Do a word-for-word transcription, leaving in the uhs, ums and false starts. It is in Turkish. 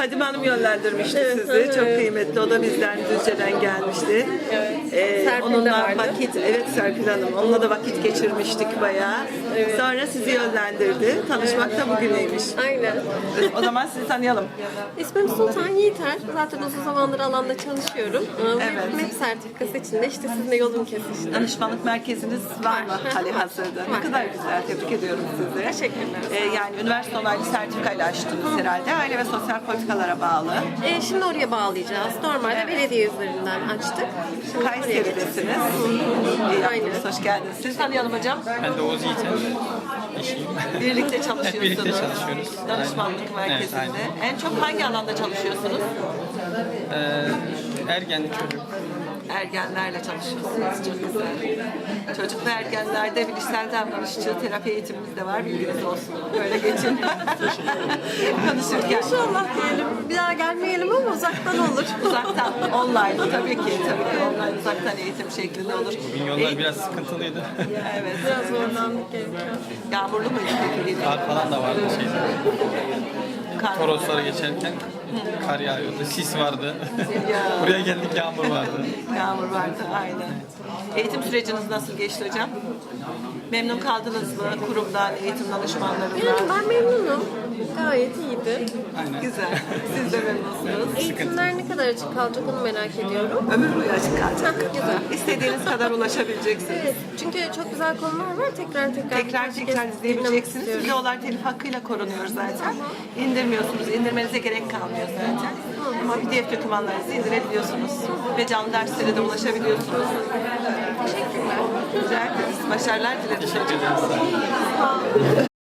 Fadime Hanım yönlendirmişti Evet, sizi. evet. Çok kıymetli. O da bizden Düzce'den gelmişti. Evet. Ee, Serpil de onunla vardı. vakit, evet Serpil Hanım. Onunla da vakit geçirmiştik bayağı. Evet. Sonra sizi yönlendirdi. Tanışmak da bugüneymiş. Aynen. O zaman sizi tanıyalım. İsmim Sultan Yiğiter. Zaten uzun zamandır alanda çalışıyorum. Ee, Evet. M E P sertifikası için de işte sizinle yolum kesişti. Danışmanlık merkeziniz var mı Var. hali hazırda? Var. Ne kadar güzel. Tebrik ediyorum sizi. Teşekkürler. Ee, yani üniversite onaylı sertifikayla açtınız herhalde. Aile ve sosyal politikalara bağlı. Ee, şimdi oraya bağlayacağız. Normalde belediye üzerinden açtık. Şimdi oraya geçeceğiz. Kayseri'desiniz. İyi Aynen. yaptınız. Hoş geldiniz. Siz tanıyalım hocam. Ben de Oğuz Yiğiter. Eşiyim. Birlikte çalışıyorsunuz. Hep birlikte çalışıyoruz. Danışmanlık Aynen. merkezinde. Evet, aynen. En çok hangi alanda çalışıyorsunuz? Ee, ergen çocuk. Ergenlerle çalışıyorsunuz. Çok güzel. Çocuk ve ergenlerde bilişsel davranışçı terapi eğitimimiz de var. Bilginiz olsun. Böyle geçin. Konuşurken. İnşallah diyelim. Bir daha gelmeyelim ama uzaktan olur. Uzaktan, online tabii ki. Tabii ki online uzaktan eğitim şeklinde olur. Bugün yollar Eğitim- biraz sıkıntılıydı. Evet. Biraz zorlandık gerekiyor. Yağmurlu muydu peki? Kar falan da vardı şeyde. Kar. Toroslara geçerken kar yağıyordu, sis vardı. Ya. Buraya geldik yağmur vardı. Yağmur vardı, aynen. Eğitim süreciniz nasıl geçti hocam? Memnun kaldınız mı kurumdan, eğitim danışmanlarından? Yani ben memnunum. Gayet iyiydi. Aynen. Güzel. Siz de memnunsunuz. Eğitimler ne kadar açık kalacak onu merak ediyorum. Ömür boyu açık kalacak. Heh, güzel. İstediğiniz kadar ulaşabileceksiniz. Evet, çünkü çok güzel konular var. Tekrar tekrar Tekrar birkaç tekrar kez izleyebileceksiniz. dinlemek Videolar telif hakkıyla korunuyor zaten. İndirmiyorsunuz. İndirmenize gerek kalmıyor zaten. Ama P D F dokümanlarınızı indirebiliyorsunuz. Ve canlı derslere de ulaşabiliyorsunuz. Teşekkürler. Rica ederiz. Başarılar dilerim. Teşekkür ederiz. Sağ olun.